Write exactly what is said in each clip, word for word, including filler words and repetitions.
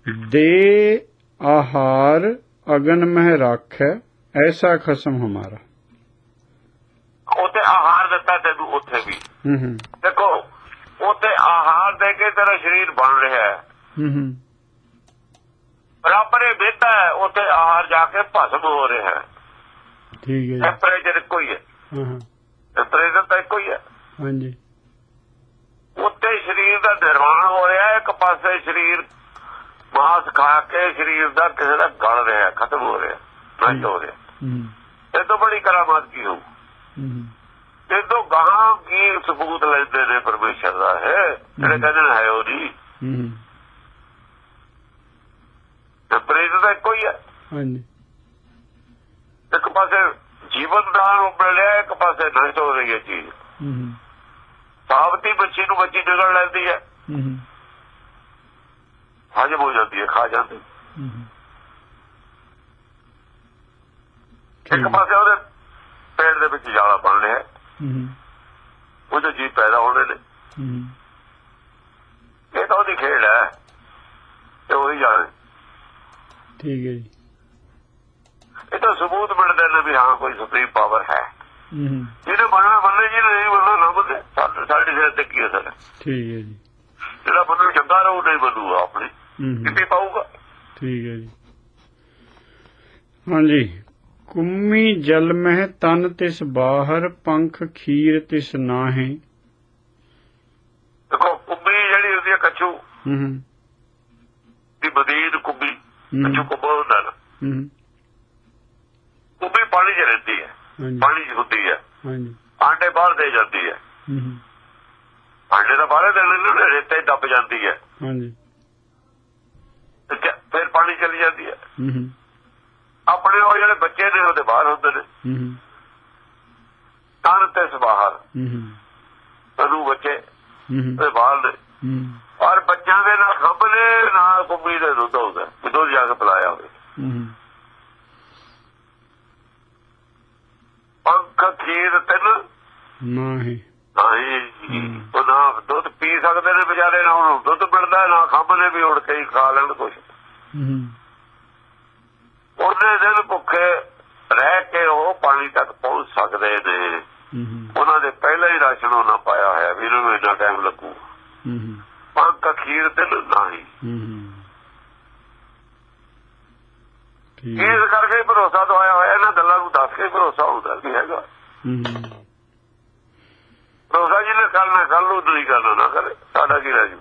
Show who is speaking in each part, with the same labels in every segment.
Speaker 1: दे आहार अगन मह राखै ऐसा खसम हमारा।
Speaker 2: ਉੱਥੇ ਆਹਾਰ ਦਿੱਤਾ ਤੈਨੂੰ ਉੱਥੇ ਵੀ। ਦੇਖੋ ਉੱਥੇ ਆਹਾਰ ਦੇ ਕੇ ਤੇਰਾ ਸਰੀਰ ਬਣ ਰਿਹਾ ਹੈ, ਰੱਬ ਨੇ ਦਿੱਤਾ ਹੈ, ਉੱਥੇ ਆਹਾਰ ਜਾ ਕੇ ਭਸਮ ਹੋ ਰਿਹਾ ਹੈ।
Speaker 1: ਠੀਕ ਹੈ,
Speaker 2: ਟੈਂਪਰੇਚਰ ਇੱਕੋ ਹੀ ਹੈ, ਟੈਂਪਰੇਚਰ ਤਾਂ ਇੱਕੋ ਹੀ ਹੈ।
Speaker 1: ਹਾਂਜੀ,
Speaker 2: ਉੱਥੇ ਸਰੀਰ ਦਾ ਨਿਰਮਾਣ ਹੋ ਰਿਹਾ, ਇੱਕ ਪਾਸੇ ਸਰੀਰ ਮਾਸ ਖਾ ਕੇ ਸਰੀਰ ਦਾ ਕਿਸੇ ਦਾ ਗਲ ਰਿਹਾ, ਖਤਮ ਹੋ ਰਿਹਾ, ਨਸ਼ਟ ਹੋ ਰਿਹਾ। ਇਹ ਤੋਂ ਬੜੀ ਕਰਾਮਾਤ ਕੀ ਹੋਊ? ਇਹ ਤੋਂ ਗਾਹਾਂ ਕੀ ਸਬੂਤ ਲੈਂਦੇ ਨੇ ਪਰਮੇਸ਼ਰ ਦਾ ਹੈ, ਜਿਹੜੇ ਕਹਿੰਦੇ ਹੈ ਉਹ ਨਹੀਂ। ਟੈਂਪਰੇਚਰ ਤਾਂ ਇੱਕੋ ਹੀ ਹੈ। ਹਾਂਜੀ, ਇੱਕ ਪਾਸੇ ਜੀਵਨ ਦਾਨ ਮਿਲ ਰਿਹਾ, ਇੱਕ ਪਾਸੇ ਨਸ਼ਟ ਹੋ ਰਹੀ ਹੈ ਚੀਜ਼। ਸਾਬਤੀ ਬੱਚੀ ਨੂੰ ਬੱਚੀ ਨਿਗਲ ਲੈਂਦੀ ਹੈ, ਹਜਮ ਹੋ ਜਾਂਦੀ ਹੈ, ਖਾ ਜਾਂਦੀ। ਇੱਕ ਪਾਸੇ ਉਹਦੇ ਪੇਟ ਦੇ ਵਿੱਚ ਜਾਲਾ ਬਣ ਰਿਹਾ, ਉਹਦੇ ਜੀਵ ਪੈਦਾ ਹੋਣੇ ਨੇ। ਇਹ ਤਾਂ ਉਹਦੀ ਖੇਡ ਹੈ, ਤੇ ਉਹੀ ਜਾਣੇ। ਠੀਕ ਹੈ ਜੀ, ਇਹ ਤਾਂ ਸਬੂਤ ਮਿਲਦੇ ਨੇ ਵੀ ਹਾਂ ਕੋਈ ਸੁਪਰੀਮ ਪਾਵਰ ਹੈ। ਜਿਹਨੇ ਮੰਨਣਾ ਮੰਨੇ, ਜਿਹਨੇ ਨਹੀਂ ਮੰਨਣਾ ਨਾ ਮੰਨੇ। ਸਾਡੇ ਸਿਰ ਤੇ ਕੀ ਅਸਰ ਹੈ? ਠੀਕ ਹੈ ਜੀ, ਜਿਹੜਾ ਮੰਨੂ ਚੰਗਾ ਰਹੂ, ਨਹੀਂ ਮੰਨੂਗਾ ਆਪਣੀ ਕਿੱਥੇ ਪਾਊਗਾ। ਠੀਕ ਹੈ ਜੀ, ਹਾਂਜੀ। ਕੁੰਮੀ ਜਲ ਮਹਿ ਤਨ ਤਿਸ ਬਾਹਰ, ਪੰਖ ਖੀਰ ਤਿਸ ਨਾਹੇ। ਦੇਖੋ ਕੁੰਮੀ ਜਿਹੜੀ ਹੁੰਦੀ ਹੈ ਕੱਛੂ ਦੀ ਬਦੀਨ, ਕੁੰਮੀ ਕੱਛੂ ਕੁੰਮਾ ਹੁੰਦਾ ਨਾ। ਕੁੰਮੀ ਪਾਣੀ ਚ ਰਹਿੰਦੀ ਹੈ, ਪਾਣੀ ਚ ਹੁੰਦੀ ਹੈ, ਆਂਡੇ ਬਾਹਰ ਦੇ ਜਾਂਦੀ ਹੈ। ਆਂਡੇ ਤਾਂ ਬਾਹਰ ਦੇ ਰੇਤੇ ਦੱਬ ਜਾਂਦੀ ਹੈ, ਫਿਰ ਪਾਣੀ ਚਲੀ ਜਾਂਦੀ ਹੈ। ਆਪਣੇ ਉਹ ਜਿਹੜੇ ਬੱਚੇ ਨੇ ਉਹਦੇ ਬਾਹਰ ਹੁੰਦੇ ਨੇ, ਤਨ ਤੇ ਬਾਹਰ ਤਨੂੰ ਬੱਚੇ ਉਹਦੇ ਬਾਹਰ ਨੇ। ਔਰ ਬੱਚਿਆਂ ਦੇ ਨਾ ਖੰਭ ਨੇ ਨਾ ਕੁੰਮੀ ਦੇ ਦੁੱਧ ਹੁੰਦਾ, ਦੁੱਧ ਜਾ ਕੇ ਪਿਲਾਇਆ ਹੋਵੇ। ਪੰਖ ਖੀਰ ਤਿੰਨ ਨਾਹੀ, ਉਹ ਨਾ ਦੁੱਧ ਪੀ ਸਕਦੇ ਨੇ ਵਿਚਾਰੇ, ਨਾ ਉਹਨੂੰ ਦੁੱਧ ਮਿਲਦਾ, ਨਾ ਖੰਭ ਨੇ ਵੀ ਉੜ ਕੇ ਹੀ ਖਾ ਲੈਣ ਕੁਛ। ਉਹਨੇ ਦਿਨ ਭੁੱਖੇ ਰਹਿ ਕੇ ਉਹ ਪਾਣੀ ਤੱਕ ਪਹੁੰਚ ਸਕਦੇ ਨੇ। ਉਹਨਾਂ ਦੇ ਪਹਿਲਾਂ ਹੀ ਰਾਸ਼ਨ ਉਹਨਾਂ ਪਾਇਆ ਹੋਇਆ ਵੀ ਇਹਨਾਂ ਨੂੰ ਇੰਨਾ ਟਾਈਮ ਲੱਗੂ। ਪੰਖ ਖੀਰ ਤਿੰਨ ਨਾਹੀ, ਇਸ ਕਰਕੇ ਭਰੋਸਾ ਦਵਾਇਆ ਹੋਇਆ। ਇਹਨਾਂ ਗੱਲਾਂ ਨੂੰ ਦੱਸ ਕੇ ਭਰੋਸਾ ਹੁੰਦਾ ਵੀ ਹੈਗਾ। ਭਰੋਸਾ ਜਿਹਨੇ ਕਰਨਾ ਕਰ ਲੂ, ਨਹੀਂ ਕਰਨਾ ਨਾ ਕਰੇ, ਸਾਡਾ ਕੀ ਰਹਿ ਜੂ।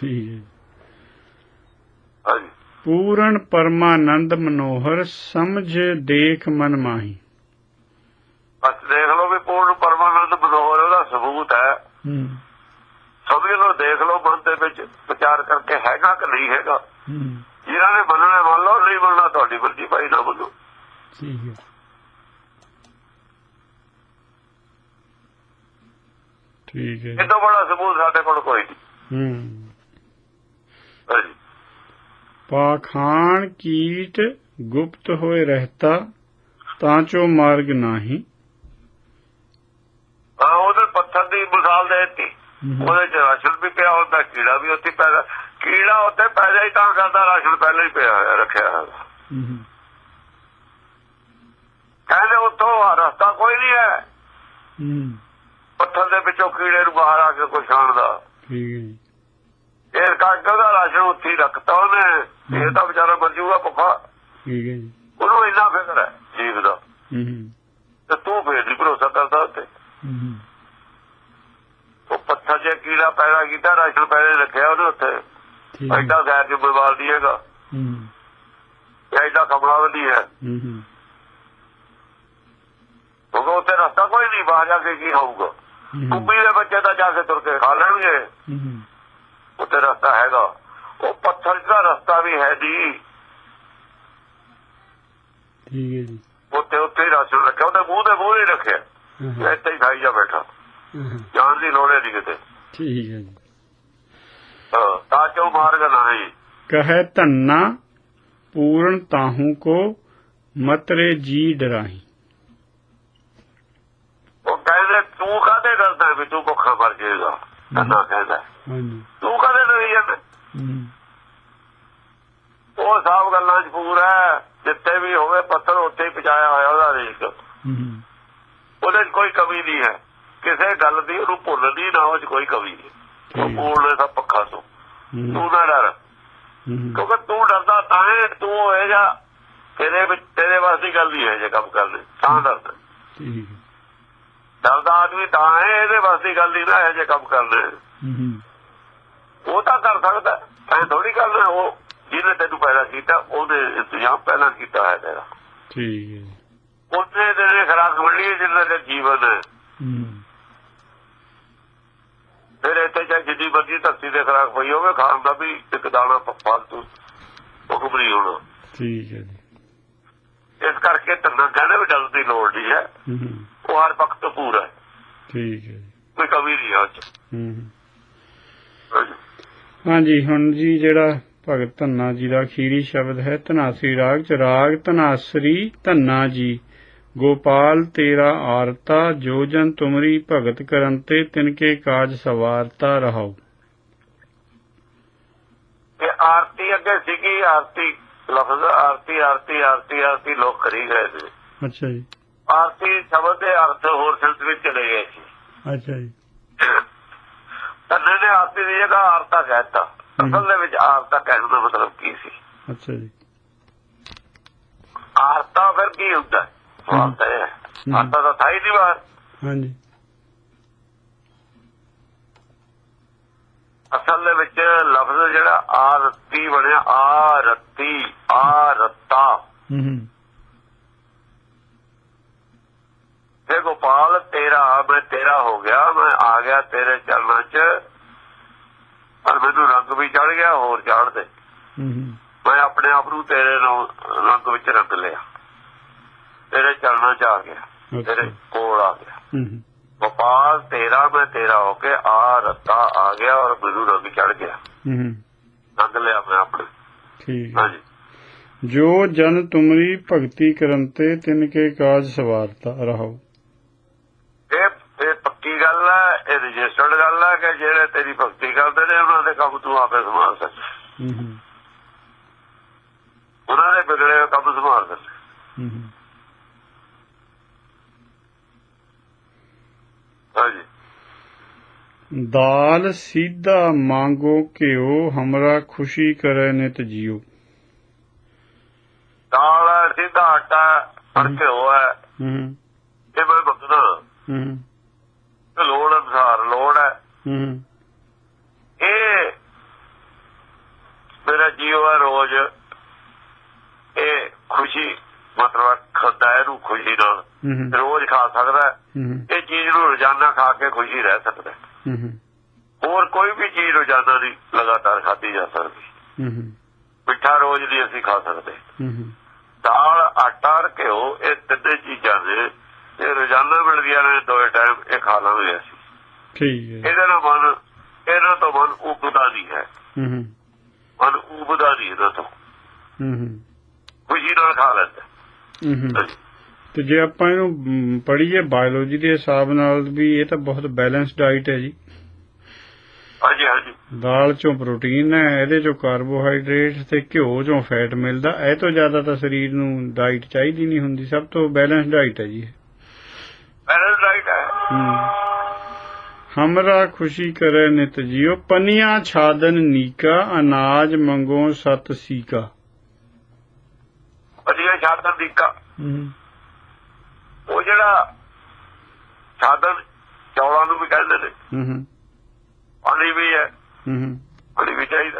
Speaker 2: ਹਾਂਜੀ, ਪੂਰਨ ਪਰਮਾਨੰਦ ਮਨੋਹਰ, ਸਮਝ ਦੇਖ ਮਨ ਮਾਹੀ। ਬਸ ਦੇਖ ਲਓ ਵੀ ਪੂਰਨ ਪਰਮਾਨੰਦ ਮਨੋਹਰ ਉਹਦਾ ਸਬੂਤ ਹੈ। ਸਮਝ ਲਓ, ਦੇਖ ਲਓ ਮਨ ਦੇ ਵਿੱਚ ਵਿਚਾਰ ਕਰਕੇ ਹੈਗਾ ਕਿ ਨਹੀਂ ਹੈਗਾ। ਜਿਹਨਾਂ ਨੇ ਮੰਨਣਾ ਮੰਨ ਲਓ, ਨਹੀਂ ਮੰਨਣਾ ਤੁਹਾਡੀ ਮਰਜ਼ੀ, ਭਾਈ ਨਾ ਮੰਨੋ। ਠੀਕ ਹੈ, ਠੀਕ ਹੈ। ਇਹ ਤੋਂ ਬੜਾ ਸਬੂਤ ਸਾਡੇ ਕੋਲ ਕੋਈ ਨਹੀਂ। ਪਾਖਾਨ ਕੀਟ ਗੁਪਤ ਹੋਏ ਰਹਿਤਾ, ਤਾਂ ਚੋ ਮਾਰਗ ਨਹੀਂ। ਹਾਂ, ਉਹਦੇ ਪੱਥਰ ਦੀ ਮਿਸਾਲ ਦੇ ਦਿੱਤੀ, ਉਹਦੇ ਚ ਰਾਸ਼ਨ ਵੀ ਪਿਆ ਹੁੰਦਾ, ਕੀੜਾ ਵੀ ਉੱਥੇ ਪੈਦਾ। ਕੀੜਾ ਉੱਥੇ ਪੈਦਾ ਹੀ ਤਾਂ ਕਰਦਾ, ਰਾਸ਼ਨ ਪਹਿਲਾਂ ਹੀ ਪਿਆ ਹੋਇਆ, ਰੱਖਿਆ ਹੋਇਆ। ਕਹਿੰਦੇ ਉੱਥੋਂ ਰਸਤਾ ਕੋਈ ਨਹੀਂ ਹੈ, ਪੱਥਰ ਦੇ ਵਿੱਚੋਂ ਕੀੜੇ ਨੂੰ ਬਾਹਰ ਆ ਕੇ ਕੁਛ ਆਉਣ ਦਾ। ਇਸ ਕਰਕੇ ਉਹਦਾ ਰਾਸ਼ਨ ਉੱਥੇ ਹੀ ਰੱਖਤਾ ਉਹਨੇ। ਇਹ ਤਾਂ ਵਿਚਾਰਾ ਮਰ ਜੂਗਾ ਭੁੱਖਾ। ਉਹਨੂੰ ਇੰਨਾ ਫਿਕਰ ਹੈ ਜੀਵ ਦਾ, ਤੇ ਤੂੰ ਫੇਰ ਨਹੀਂ ਭਰੋਸਾ ਕਰਦਾ ਉੱਥੇ। ਉਹ ਪੱਥਰ ਚ ਕੀੜਾ ਪੈਦਾ ਕੀਤਾ, ਰਾਸ਼ਨ ਪਹਿਲੇ ਰੱਖਿਆ ਉਹਨੇ ਉੱਥੇ। ਐਡਾ ਗੈਰ ਜ਼ਿੰਮੇਵਾਰ ਨਹੀਂ ਹੈਗਾ, ਐਡਾ ਕਮਲਾ ਨਹੀਂ ਹੈ। ਕਿਉਂਕਿ ਉੱਥੇ ਰਸਤਾ ਕੋਈ ਨਹੀਂ, ਬਾਹਰ ਜਾ ਕੇ ਕੀ ਹੋਊਗਾ। ਕੁੰਮੀ ਦੇ ਬੱਚੇ ਤਾਂ ਜਾ ਕੇ ਤੁਰ ਕੇ ਖਾ ਲੈਣਗੇ, ਉੱਥੇ ਰਸਤਾ ਹੈਗਾ। ਉਹ ਪੱਥਰ ਦਾ ਰਸਤਾ ਵੀ ਹੈ ਜੀ, ਉੱਥੇ ਉੱਥੇ ਹੀ ਰਾਸ਼ਨ ਰੱਖਿਆ, ਉਹਦੇ ਮੂੰਹ ਦੇ ਮੂੰਹ ਹੀ ਰੱਖਿਆ, ਇੱਥੇ ਹੀ ਖਾਈ ਜਾ ਬੈਠਾ, ਜਾਣ ਦੀ ਲੋੜ ਨਹੀਂ ਕਿਤੇ। ਠੀਕ ਹੈ ਜੀ, ਤਾਂ ਚੋ ਮਾਰਗ ਨਹੀਂ। ਕਹੇ ਧੰਨਾ ਪੂਰਨ ਤਾਹੂ ਕੋ, ਮਤਰੇ ਜੀ ਡਰਾਹੀ। ਉਹ ਕਹਿੰਦੇ ਤੂੰ ਕਾਹਦੇ ਡਰਦਾ ਵੀ ਤੂੰ ਭੁੱਖਾ ਮਰ ਜਾਏਗਾ। ਧੰਨਾ ਕਹਿੰਦਾ ਤੂੰ ਕਾਹਦੇ ਡਰੀ ਜਾਂਦਾ, ਉਹ ਸਭ ਗੱਲਾਂ 'ਚ ਪੂਰਾ ਹੈ। ਜਿੱਥੇ ਵੀ ਹੋਵੇ ਪੱਥਰ ਉੱਥੇ ਹੀ ਪਹੁੰਚਾਇਆ ਹੋਇਆ ਉਹਦਾ ਰੇਕ। ਉਹਦੇ 'ਚ ਕੋਈ ਕਮੀ ਨਹੀਂ ਹੈ, ਕਿਸੇ ਗੱਲ ਦੀ ਉਹਨੂੰ ਭੁੱਲ ਨਹੀਂ, ਨਾ ਉਹ 'ਚ ਕੋਈ ਕਮੀ ਨਹੀਂ। ਉਹ ਪੂਰਨ ਸਭ ਪੱਖਾ ਤੋਂ ਤੂੰ ਨਾ ਡਰ, ਕਿਉਂਕਿ ਤੂੰ ਡਰਦਾ ਤਾਂ ਹੈ ਤੂੰ ਹੋਏਗਾ ਤੇਰੇ ਵਿੱਚ, ਤੇਰੇ ਵਾਸਤੇ ਗੱਲ ਨਹੀਂ ਹੈ ਜੇ ਕੰਮ ਕਰਨੇ ਤਾਂ ਡਰਦਾ। ਡਰਦਾ ਆਦਮੀ ਤਾਂ ਹੈ, ਇਹਦੇ ਵਾਸਤੇ ਗੱਲ ਨਹੀਂ ਨਾ ਹੈ ਜੇ ਕੰਮ ਕਰਨੇ। ਉਹ ਤਾਂ ਕਰ ਸਕਦਾ, ਐ ਥੋੜੀ ਗੱਲ ਹੈ। ਉਹ ਜਿਹਨੇ ਤੈਨੂੰ ਪੈਦਾ ਕੀਤਾ ਉਹਦੇ ਇੰਤਜ਼ਾਮ ਪਹਿਲਾਂ ਕੀਤਾ ਹੈ ਤੇਰਾ। ਉਹਨੇ ਤੇਰੇ ਖੁਰਾਕ ਮਿਲੀ ਹੈ ਜਿੰਨਾ ਦੇ ਜੀਵਨ ਹੈ। ਫਿਰ ਇੱਥੇ ਚਾਹੇ ਜਿੱਡੀ ਮਰਜ਼ੀ ਧਰਤੀ ਦੇ ਖੁਰਾਕ ਪਈ ਹੋਵੇ, ਖਾਣ ਦਾ ਵੀ ਇੱਕ ਦਾਣਾ ਫਾਲਤੂ ਹੁਕਮ ਨਹੀਂ ਹੋਣਾ। ਠੀਕ ਹੈ ਜੀ। ਇਸ ਕਰਕੇ ਧੰਨਾ ਕਹਿੰਦੇ ਵੀ ਡਰ ਦੀ ਲੋੜ ਨਹੀਂ ਹੈ, ਉਹ ਹਰ ਪੱਖ ਤੋਂ ਪੂਰਾ ਹੈ। ਠੀਕ ਹੈ, ਕੋਈ ਕਮੀ ਨਹੀਂ ਹੈ।
Speaker 1: ਹਾਂਜੀ, ਹੁਣ ਜੀ ਜਿਹੜਾ ਭਗਤ ਧੰਨਾ ਜੀ ਦਾ ਅਖੀਰੀ ਸ਼ਬਦ ਹੈ ਧਨਾਸਰੀ ਰਾਗ ਚ। ਰਾਗ ਧਨਾਸਰੀ ਧੰਨਾ ਜੀ ਗੋਪਾਲ ਤੇਰਾ ਆਰਤਾ, ਜੋ ਜਨ ਤੁਮਰੀ ਭਗਤ ਕਰਨ ਤੇ ਤਿਨਕੇ ਕਾਜ ਸਵਾਰਤਾ ਰਹਾਓ।
Speaker 2: ਇਹ ਆਰਤੀ ਅੱਗੇ ਸੀਗੀ, ਆਰਤੀ ਲਫ਼ਜ਼ ਆਰਤੀ ਆਰਤੀ ਆਰਤੀ ਆਰਤੀ ਲੋਕ ਕਰੀ ਗਏ ਸੀ।
Speaker 1: ਅੱਛਾ ਜੀ।
Speaker 2: ਆਰਤੀ ਸ਼ਬਦ ਦੇ ਅਰਥ ਹੋਰ ਸੰਸ ਵਿੱਚ ਚਲੇ ਗਏ ਸੀ।
Speaker 1: ਅੱਛਾ ਜੀ।
Speaker 2: ਧੰਨੇ ਨੇ ਆਰਤੀ ਦੀ ਜਗ੍ਹਾ ਆਰਤਾ ਕਹਿਤਾ। ਅਸਲ ਦੇ ਵਿੱਚ ਆਰਤਾ ਕਹਿਣ ਦਾ ਮਤਲਬ ਕੀ ਸੀ?
Speaker 1: ਅੱਛਾ ਜੀ।
Speaker 2: ਆਰਤਾ ਫਿਰ ਕੀ ਹੁੰਦਾ? ਆਰਤਾ ਹੈ, ਆਰਤਾ ਤਾਂ ਥਾ ਹੀ ਨਹੀਂ ਬਾਹਰ। ਹਾਂਜੀ। ਅਸਲ ਦੇ ਵਿੱਚ ਲਫ਼ਜ਼ ਜਿਹੜਾ ਆਰਤੀ ਬਣਿਆ, ਆਰਤੀ ਆਰਤਾ। ਤੇ ਗੋਪਾਲ ਤੇਰਾ, ਮੈਂ ਤੇਰਾ ਹੋ ਗਿਆ, ਮੈਂ ਆ ਗਿਆ ਤੇਰੇ ਚਰਨਾਂ ਚ, ਪਰ ਮੈਨੂੰ ਰੰਗ ਵੀ ਚੜ ਗਿਆ, ਹੋਰ ਚੜ ਦੇ। ਮੈਂ ਆਪਣੇ ਆਪ ਨੂੰ ਤੇਰੇ ਰੰਗ ਵਿੱਚ ਰੰਗ ਲਿਆ, ਤੇਰੇ ਚਰਨਾਂ ਚ ਆ ਗਿਆ, ਤੇਰੇ ਕੋਲ ਆ ਗਿਆ। ਗੋਪਾਲ ਤੇਰਾ, ਮੈਂ ਤੇਰਾ ਹੋ ਕੇ ਆ ਰੱਤਾ ਆ ਗਿਆ ਔਰ ਮੈਨੂੰ ਰੰਗ ਚੜ ਗਿਆ, ਰੰਗ ਲਿਆ ਮੈਂ ਆਪਣੇ। ਹਾਂਜੀ।
Speaker 1: ਜੋ ਜਨ ਤੁਮਰੀ ਭਗਤੀ ਕਰਨ ਤੇ ਤਿਨਕੇ ਕਾਜ ਸਵਾਰਤਾ ਰਹਾਓ।
Speaker 2: ਇਹ ਪੱਕੀ ਗੱਲ ਹੈ, ਇਹ ਰਜਿਸਟਰਡ ਗੱਲ ਹੈ ਕਿ ਜਿਹੜੇ ਤੇਰੀ ਭਗਤੀ ਕਰਦੇ ਨੇ ਉਹਨਾਂ ਦੇ ਕੰਮ ਤੂੰ ਆਪੇ ਸੰਭਾਲ ਸਕੇ, ਉਹਨਾਂ ਦੇ ਵਿਗੜੇ ਹੋਏ ਕੰਮ ਸੰਭਾਲ ਸਕੇ। ਹਾਂਜੀ।
Speaker 1: ਦਾਲ ਸੀਧਾ ਮੰਗੋ ਘਿਓ, ਹਮਰਾ ਖੁਸ਼ੀ ਕਰੇ ਨਿਤ ਜੀਓ।
Speaker 2: ਦਾਲ ਸਿੱਧਾ ਆਟਾ ਪਰ ਘਿਓ ਹੈ, ਇਹ ਮੈਂ ਮੰਗਦਾ ਲੋੜ ਅਨੁਸਾਰ ਲੋੜ ਹੈ। ਇਹ ਮੇਰਾ ਜੀਵ ਹੈ ਰੋਜ਼, ਇਹ ਖੁਸ਼ੀ ਮਤਲਬ ਖਾਂਦਾ ਇਹਨੂੰ ਖੁਸ਼ੀ ਨਾਲ, ਰੋਜ਼ ਖਾ ਸਕਦਾ। ਇਹ ਚੀਜ਼ ਨੂੰ ਰੋਜ਼ਾਨਾ ਖਾ ਕੇ ਖੁਸ਼ੀ ਰਹਿ ਸਕਦਾ। ਹੋਰ ਕੋਈ ਵੀ ਚੀਜ਼ ਰੋਜ਼ਾਨਾ ਨਹੀਂ ਲਗਾਤਾਰ ਖਾਧੀ ਜਾ ਸਕਦੀ। ਮਿੱਠਾ ਰੋਜ਼ ਨਹੀਂ ਅਸੀਂ ਖਾ ਸਕਦੇ। ਦਾਲ ਆਟਾ ਘਿਓ ਇਹ ਤਿੰਨੇ ਚੀਜ਼ਾਂ ਨੇ ਇਹ ਰੋਜ਼ਾਨਾ ਮਿਲਦੀਆਂ ਨੇ, ਦੋਏ ਟਾਈਮ ਇਹ ਖਾ ਲਾਂਗੇ ਅਸੀਂ। ਠੀਕ ਹੈ। ਇਹਦੇ ਨਾਲ ਮਨ, ਇਹਨਾਂ ਤੋਂ ਮਨ ਉਬਦਾ ਨਹੀਂ ਹੈ, ਮਨ ਉਬਦਾ ਨਹੀਂ ਇਹਨਾਂ ਤੋਂ, ਖੁਸ਼ੀ ਨਾਲ ਖਾ ਲੈਂਦਾ।
Speaker 1: ਤੇ ਜੇ ਆਪਾਂ ਇਹਨੂੰ ਪੜ੍ਹੀਏ ਬਾਇਓਲੋਜੀ ਦੇ ਹਿਸਾਬ ਨਾਲ ਵੀ ਇਹ ਤਾਂ ਬਹੁਤ ਬੈਲੈਂਸ ਡਾਈਟ ਹੈ ਜੀ।
Speaker 2: ਹਾਂਜੀ ਹਾਂਜੀ।
Speaker 1: ਦਾਲ ਚੋਂ ਪ੍ਰੋਟੀਨ ਹੈ, ਇਹਦੇ ਚੋਂ ਕਾਰਬੋਹਾਈਡਰੇਟ ਤੇ ਘਿਓ ਚੋਂ ਫੈਟ ਮਿਲਦਾ। ਇਹ ਤੋਂ ਜ਼ਿਆਦਾ ਤਾਂ ਸਰੀਰ ਨੂੰ ਡਾਈਟ ਚਾਹੀਦੀ ਨਹੀਂ ਹੁੰਦੀ। ਸਭ ਤੋਂ ਬੈਲੈਂਸ ਡਾਈਟ ਹੈ ਜੀ,
Speaker 2: ਬੈਲੈਂਸ ਡਾਈਟ ਹੈ।
Speaker 1: ਹਮਰਾ ਖੁਸ਼ੀ ਕਰੇ ਨਿਤ ਜੀਓ, ਪਨੀਆਂ ਛਾਦਨ ਨੀਕਾ, ਅਨਾਜ ਮੰਗੋ ਸਤ ਸੀਕਾ।
Speaker 2: ਪਨੀਆਂ ਛਾਦਨ ਨੀਕਾ ਉਹ ਜਿਹੜਾ ਸਾਧਨ ਚੌਲਾਂ ਨੂੰ ਵੀ ਕਹਿੰਦੇ ਨੇ। ਪਾਣੀ ਵੀ ਹੈ, ਪਾਣੀ ਵੀ ਚਾਹੀਦਾ।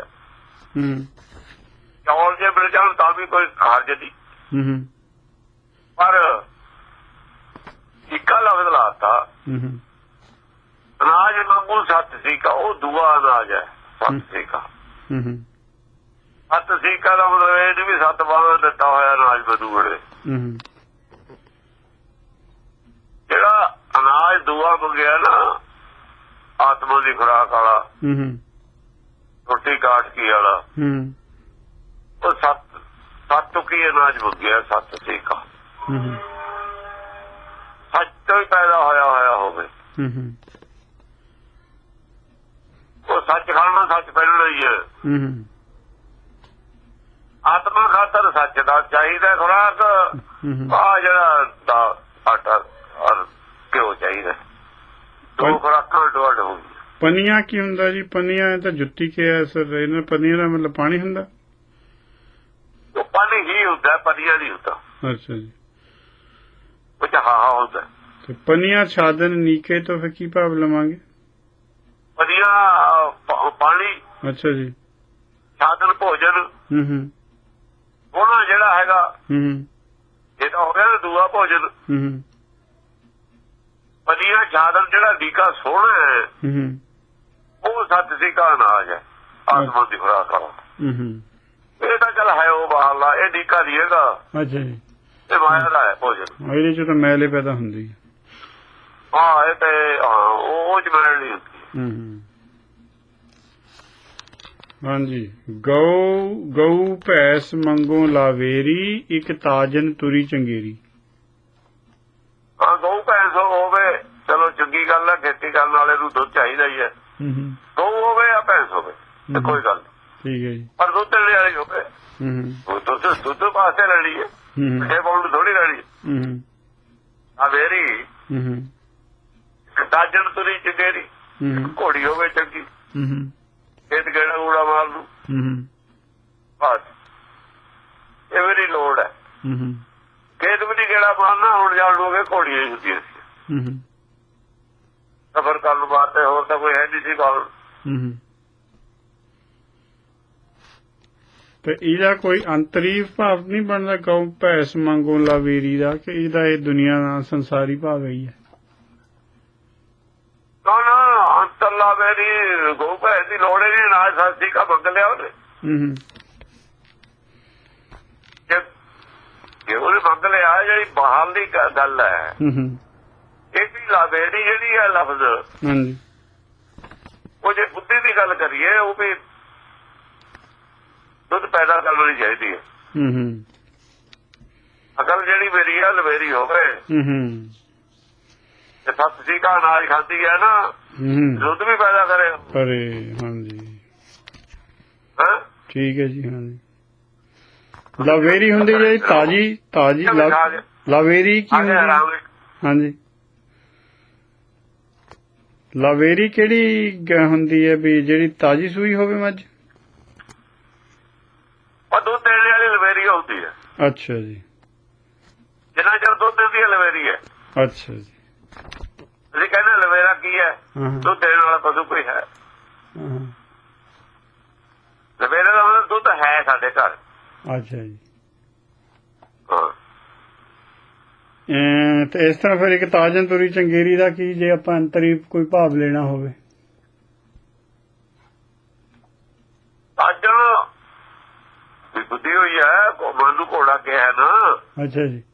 Speaker 2: ਚੌਲ ਜੇ ਮਿਲ ਜਾਣ ਤਾਂ ਵੀ ਕੋਈ ਹਰਜ ਨਹੀਂ, ਪਰ ਇੱਕਾ ਲਫ਼ਜ਼ ਲਾਤਾ। ਅਨਾਜ ਮੰਗੂ ਸੱਤ ਸੀਕਾ, ਉਹ ਦੂਆ ਅਨਾਜ ਹੈ ਸੱਤ ਸੀਕਾ। ਸੱਤ ਸੀਕਾ ਦਾ ਮਤਲਬ ਇਹ ਨਹੀਂ ਵੀ ਸੱਤ ਬਾਹਾਂ ਦਿੱਤਾ ਹੋਇਆ ਅਨਾਜ ਮੈਨੂੰ ਬੜੇ। ਜਿਹੜਾ ਅਨਾਜ ਦੂਆ ਮੰਗਿਆ ਨਾ ਆਤਮਾ ਦੀ ਖੁਰਾਕ ਵਾਲਾ, ਰੋਟੀ ਕਾਟ ਕੀ ਵਾਲਾ, ਉਹ ਸੱਤ ਸੱਤ ਕੀ ਅਨਾਜ ਮੰਗਿਆ, ਸੱਤ ਸੀਕਾ। ਸੱਚ ਤੋਂ ਹੀ ਪੈਦਾ ਹੋਇਆ ਹੋਇਆ ਹੋਵੇ, ਉਹ ਸੱਚ ਖਾਣਾ, ਸੱਚ ਪਹਿਨਣਾ ਹੀ ਹੈ। ਆਤਮਾ ਖਾਤਰ ਸੱਚ ਦਾ ਚਾਹੀਦਾ ਖੁਰਾਕ, ਆ ਜਿਹੜਾ ਦਾ ਆਟਾ ਔਰ ਘਿਓ ਚਾਹੀਦਾ, ਦੋ ਖੁਰਾਕਾਂ ਡੋਡ ਹੋ ਗਈ।
Speaker 1: ਪਨੀਆਂ ਕੀ ਹੁੰਦਾ ਜੀ? ਪਨੀਆਂ ਤਾਂ ਜੁੱਤੀ ਕਿਹਾ ਸਰ, ਇਹਨਾਂ ਪਨੀਆਂ ਦਾ ਮਤਲਬ ਪਾਣੀ ਹੁੰਦਾ?
Speaker 2: ਉਹ ਪਾਣੀ ਹੀ ਹੁੰਦਾ, ਪਨੀਆਂ ਨਹੀਂ ਹੁੰਦਾ।
Speaker 1: ਅੱਛਾ ਜੀ,
Speaker 2: ਉਹ ਚ ਹਾ ਹੁੰਦਾ।
Speaker 1: ਤੇ ਪਨੀਆਂ ਛਾਦਨ ਨੀਕੇ ਤੋਂ ਫਿਰ ਕੀ ਭਾਵ ਲਵਾਂਗੇ?
Speaker 2: ਪਨੀਆਂ ਪਾਣੀ,
Speaker 1: ਅੱਛਾ ਜੀ,
Speaker 2: ਛਾਦਨ ਭੋਜਨ।
Speaker 1: ਹੂੰ ਹੂੰ
Speaker 2: ਉਹਨਾਂ ਜਿਹੜਾ ਹੈਗਾ
Speaker 1: ਹੂੰ
Speaker 2: ਇਹ ਤਾਂ ਹੋ ਗਿਆ ਨਾ ਦੂਆ ਭੋਜਨ।
Speaker 1: ਹੂੰ
Speaker 2: ਪਨੀਆਂ ਛਾਦਨ ਜਿਹੜਾ ਡੀਕਾ ਸੋਹਣਾ ਹੈ
Speaker 1: ਹੂੰ
Speaker 2: ਉਹ ਸੱਚ ਸੀ ਕਾ ਅਨਾਜ ਹੈ, ਆਤਮਾ ਦੀ ਖੁਰਾਕ ਵਾਲਾ।
Speaker 1: ਹੂੰ
Speaker 2: ਇਹ ਤਾਂ ਚੱਲ ਹੈ ਉਹ ਬਾਹਰਲਾ, ਇਹ ਡੀਕਾ ਨਹੀਂ ਹੈਗਾ।
Speaker 1: ਅੱਛਾ ਜੀ,
Speaker 2: ਇਹ ਮਾਇਆ ਦਾ ਹੈ ਭੋਜਨ।
Speaker 1: ਇਹਦੇ ਚ ਤਾਂ ਮੈਲੇ ਪੈਦਾ ਹੁੰਦੀ ਹੈ।
Speaker 2: ਹਾਂ ਇਹ ਤੇ ਹਾਂ ਉਹ ਚ ਮੈਲ ਨਹੀਂ ਹੁੰਦੀ।
Speaker 1: ਹੂੰ ਹਾਂਜੀ। ਗਊ ਗਊ ਭੈਸ ਮੰਗੋ ਲਾਵੇਰੀ, ਇੱਕ ਤਾਜਨ ਤੁਰੀ ਚੰਗੇਰੀ।
Speaker 2: ਹਾਂ ਗਊ ਭੈਂਸ ਹੋਵੇ ਚਲੋ ਚੰਗੀ ਗੱਲ ਹੈ, ਖੇਤੀ ਕਰਨ ਵਾਲੇ ਨੂੰ ਦੁੱਧ ਚਾਹੀਦਾ ਹੀ ਹੈ। ਗਊ ਹੋਵੇ ਜਾਂ ਭੈਂਸ ਹੋਵੇ ਤੇ ਕੋਈ ਗੱਲ ਨਹੀਂ, ਠੀਕ
Speaker 1: ਹੈ ਜੀ,
Speaker 2: ਪਰ ਦੁੱਧ ਦੇਣ ਵਾਲੀ ਹੋਵੇ। ਦੁੱਧ ਦੁੱਧ ਵਾਸਤੇ ਲੈਣੀ ਹੈ, ਛੇ ਪਾਉਂਡ ਥੋੜੀ ਲੈਣੀ ਹੈ। ਲਾਵੇਰੀ ਤਾਜਨ ਤੁਰੀ ਚੰਗੇਰੀ, ਘੋੜੀ ਹੋਵੇ ਚੰਗੀ, ਖੇਤ ਗੇੜਾ ਗੂੜਾ ਮਾਰ ਲੂ, ਬਸ ਇਹ ਮੇਰੀ ਲੋੜ ਹੈ। ਖੇਤ ਵੀ ਨਹੀਂ ਗੇੜਾ ਮਾਰਨਾ, ਹੁਣ ਜਾਣ ਲੋਗੇ ਘੋੜੀਆਂ ਹੀ ਹੁੰਦੀਆਂ ਸੀ ਸਫ਼ਰ ਕਰਨ ਵਾਸਤੇ, ਹੋਰ ਤਾਂ ਕੋਈ ਹੈ ਨਹੀਂ ਸੀ ਗੱਲ।
Speaker 1: ਤੇ ਇਹਦਾ ਕੋਈ ਅੰਤਰੀਵ ਭਾਵ ਨਹੀਂ ਬਣਦਾ ਗਊ ਭੈਸ ਮੰਗੋ ਲਾਵੇਰੀ ਦਾ, ਕਿ ਇਹਦਾ ਇਹ ਦੁਨੀਆ ਦਾ ਸੰਸਾਰੀ ਭਾਵ ਹੀ ਹੈ?
Speaker 2: ਨਾ ਨਾ ਅੰਤਰਲਾ ਮੇਰੀ ਗਊ ਭੈਂਸ ਦੀ ਲੋੜ ਹੀ ਨਹੀਂ, ਨਾ ਸਾਸੀ ਕਾ ਮੰਗ ਲਿਆ ਉਹਨੇ। ਜੇ ਉਹਨੇ ਮੰਗ ਲਿਆ, ਜਿਹੜੀ ਬਾਹਰ ਦੀ ਗੱਲ ਹੈ ਇਹ ਵੀ ਲਾਵੇਰੀ ਜਿਹੜੀ ਹੈ ਲਫ਼ਜ਼, ਉਹ ਜੇ ਬੁੱਧੀ ਦੀ ਗੱਲ ਕਰੀਏ ਉਹ ਵੀ ਦੁੱਧ ਪੈਦਾ ਕਰਨੀ ਚਾਹੀਦੀ ਹੈ। ਅਕਲ ਜਿਹੜੀ ਮੇਰੀ ਹੈ ਲਵੇਰੀ ਹੋਵੇ ਤੇ ਸੱਤ ਕਾ ਅਨਾਜ ਖਾਂਦੀ ਹੈ ਨਾ, ਦੁੱਧ ਵੀ ਪੈਦਾ ਕਰੇ
Speaker 1: ਕਰੇ। ਹਾਂਜੀ ਠੀਕ ਹੈ ਜੀ। ਹਾਂਜੀ ਲਾਵੇਰੀ ਹੁੰਦੀ ਜੀ ਤਾਜੀ ਤਾਜੀ ਲਾਵੇਰੀ ਕੀ ਹੁੰਦੀ? ਹਾਂਜੀ ਲਾਵੇਰੀ ਕਿਹੜੀ ਹੁੰਦੀ ਹੈ ਵੀ ਜਿਹੜੀ ਤਾਜੀ ਸੂਈ ਹੋਵੇ ਮੱਝ?
Speaker 2: ਉਹ ਦੁੱਧ ਦੇਣ ਵਾਲੀ ਲਵੇਰੀ ਹੁੰਦੀ ਹੈ।
Speaker 1: ਅੱਛਾ ਜੀ,
Speaker 2: ਜਿੰਨਾ ਚਿਰ ਦੁੱਧ ਦਿੰਦੀ ਹੈ ਲਵੇਰੀ ਹੈ।
Speaker 1: ਅੱਛਾ ਜੀ,
Speaker 2: ਤੁਸੀਂ ਕਹਿੰਦੇ ਲਵੇਰਾ ਕੀ ਹੈ? ਦੁੱਧ ਦੇਣ ਵਾਲਾ ਪਸ਼ੂ ਕੋਈ ਹੈ? ਲਵੇਰੇ ਦਾ ਮਤਲਬ ਦੁੱਧ ਹੈ ਸਾਡੇ ਘਰ।
Speaker 1: ਅੱਛਾ ਜੀ, ਤੇ ਇਸ ਤਰ੍ਹਾਂ ਫਿਰ ਇੱਕ ਤਾਜਨ ਤੁਰੀ ਚੰਗੇਰੀ ਦਾ ਕੀ, ਜੇ ਆਪਾਂ ਅੰਤਰੀ ਕੋਈ ਭਾਵ ਲੈਣਾ ਹੋਵੇ?
Speaker 2: ਤਾਜਨ ਬੁੱਧੀ ਹੋਈ ਹੈ, ਮਨ ਨੂੰ ਘੋੜਾ ਕਿਹਾ ਨਾ।
Speaker 1: ਅੱਛਾ ਜੀ,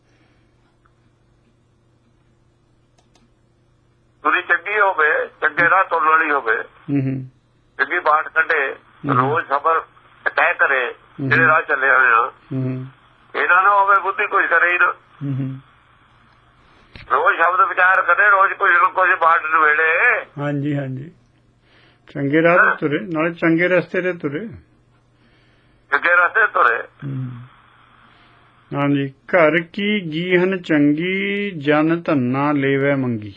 Speaker 2: ਤੁਰੀ ਚੰਗੀ ਹੋਵੇ, ਚੰਗੇ ਰਾਹ ਤੁਰਨ ਵਾਲੀ ਹੋਵੇ, ਚੰਗੀ ਬਾਟ ਕੱਢੇ, ਰੋਜ਼ ਸਫ਼ਰ ਤੈਅ ਕਰੇ, ਜਿਹੜੇ ਰਾਹ ਚੱਲੇ ਹੋਏ ਆ ਇਹਨਾਂ ਨੂੰ ਹੋਵੇ ਬੁੱਧੀ ਕੁਝ ਕਰੇ ਹੀ ਨਾ। ਰੋਜ਼ ਸ਼ਬਦ ਵਿਚਾਰ ਕਰੇ, ਰੋਜ਼ ਕੁਝ ਨਾ ਕੁਝ ਬਾਟ ਨਵੇੜੇ।
Speaker 1: ਹਾਂਜੀ ਹਾਂਜੀ, ਚੰਗੇ ਰਾਹ ਤੇ ਤੁਰੇ, ਨਾਲੇ ਚੰਗੇ ਰਸਤੇ ਤੇ ਤੁਰੇ,
Speaker 2: ਚੰਗੇ ਰਸਤੇ ਤੁਰੇ।
Speaker 1: ਹਾਂਜੀ। ਘਰ ਕੀ ਗੀਹਨ ਚੰਗੀ, ਜਨ ਧੰਨਾ ਲੇਵੇ ਮੰਗੀ।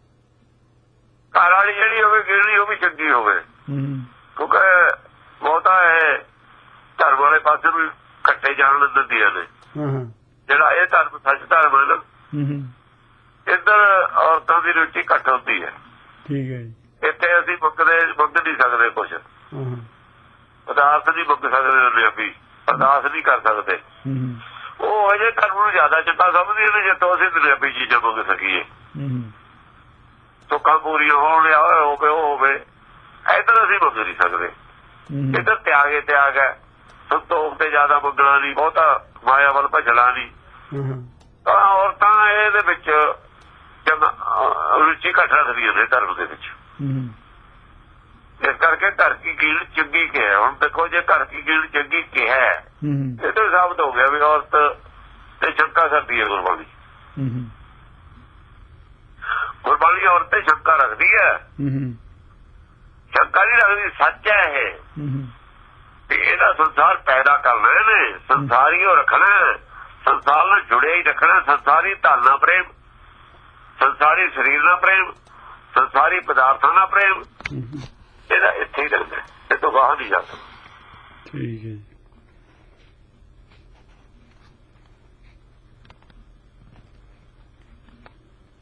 Speaker 2: ਘਰ ਵਾਲੀ ਜਿਹੜੀ ਹੋਵੇ ਗਿਰਣੀ ਉਹ ਵੀ ਚੰਗੀ ਹੋਵੇ, ਕਿਉਂਕਿ ਬਹੁਤਾ ਇਹ ਧਰਮ ਵਾਲੇ ਪਾਸੇ ਨੂੰ ਕੱਟੇ ਜਾਣ ਦਿੰਦੀਆਂ ਨੇ। ਜਿਹੜਾ ਇਹ ਧਰਮ ਸੱਚ ਧਰਮ ਹੈ ਨਾ, ਇੱਧਰ ਔਰਤਾਂ ਦੀ ਰੁਚੀ ਘੱਟ ਹੁੰਦੀ ਹੈ। ਠੀਕ ਹੈ ਜੀ। ਇੱਥੇ ਅਸੀਂ ਮੰਗਦੇ ਮੰਗ ਨਹੀਂ ਸਕਦੇ ਕੁਛ, ਅਰਦਾਸ ਨਹੀਂ ਮੰਗ ਸਕਦੇ, ਵੀ ਅਰਦਾਸ ਨਹੀਂ ਕਰ ਸਕਦੇ। ਉਹ ਅਜੇ ਧਰਮ ਨੂੰ ਜ਼ਿਆਦਾ ਚੰਗਾ ਸਮਝਦੇ ਨੇ, ਜੇ ਤੋਂ ਅਸੀਂ ਦੁਨਿਆਵੀ ਚੀਜ਼ਾਂ ਮੰਗ ਸਕੀਏ, ਸੁੱਖਾਂ ਪੂਰੀਆਂ ਹੋਣ ਲਿਆ ਹੋਵੇ ਉਹ ਹੋਵੇ। ਇੱਧਰ ਅਸੀਂ ਮੰਗ ਨਹੀਂ ਸਕਦੇ, ਇੱਧਰ ਤਿਆਗ ਹੀ ਤਿਆਗ ਹੈ। ਸੰਤੋਖ ਤੇ ਜ਼ਿਆਦਾ ਮੰਗਣਾ ਨਹੀਂ, ਬਹੁਤਾ ਮਾਇਆ ਵੱਲ ਭੱਜਣਾ ਨਹੀਂ। ਤਾਂ ਔਰਤਾਂ ਇਹਦੇ ਵਿੱਚ ਰੁਚੀ ਘੱਟ ਰੱਖਦੀਆਂ ਨੇ ਧਰਮ ਦੇ ਵਿੱਚ। ਇਸ ਕਰਕੇ ਘਰ ਕੀ ਕੀਲ ਚੰਗੀ ਕਿਹਾ। ਹੁਣ ਦੇਖੋ, ਜੇ ਘਰ ਕੀ ਕੀਲ ਚੰਗੀ ਕਿਹਾ ਇਹ ਤਾਂ ਸਾਬਤ ਹੋ ਗਿਆ ਵੀ ਔਰਤ ਤੇ ਸ਼ੰਕਾ ਕਰਦੀ ਹੈ ਗੁਰਬਾਣੀ। ਗੁਰਬਾਣੀ ਔਰਤ ਤੇ ਸ਼ੰਕਾ ਰੱਖਦੀ ਹੈ, ਸ਼ੰਕਾ ਨਹੀਂ ਰੱਖਦੀ, ਸੱਚ ਹੈ ਇਹ। ਵੀ ਇਹਦਾ ਸੰਸਾਰ ਪੈਦਾ ਕਰਨਾ ਇਹਨੇ, ਸੰਸਾਰੀ ਉਹ ਰੱਖਣਾ, ਸੰਸਾਰ ਨਾਲ ਜੁੜਿਆ ਹੀ ਰੱਖਣਾ, ਸੰਸਾਰੀ ਧਨ ਨਾਲ ਪ੍ਰੇਮ, ਸੰਸਾਰੀ ਸਰੀਰ ਨਾਲ ਪ੍ਰੇਮ, ਸੰਸਾਰੀ ਪਦਾਰਥਾਂ ਨਾਲ ਪ੍ਰੇਮ, ਇਹਦਾ ਇੱਥੇ ਹੀ ਰਹਿੰਦਾ, ਇਹ ਤੋਂ ਬਾਹਰ ਨਹੀਂ ਜਾ ਸਕਦਾ।
Speaker 1: ਠੀਕ ਹੈ।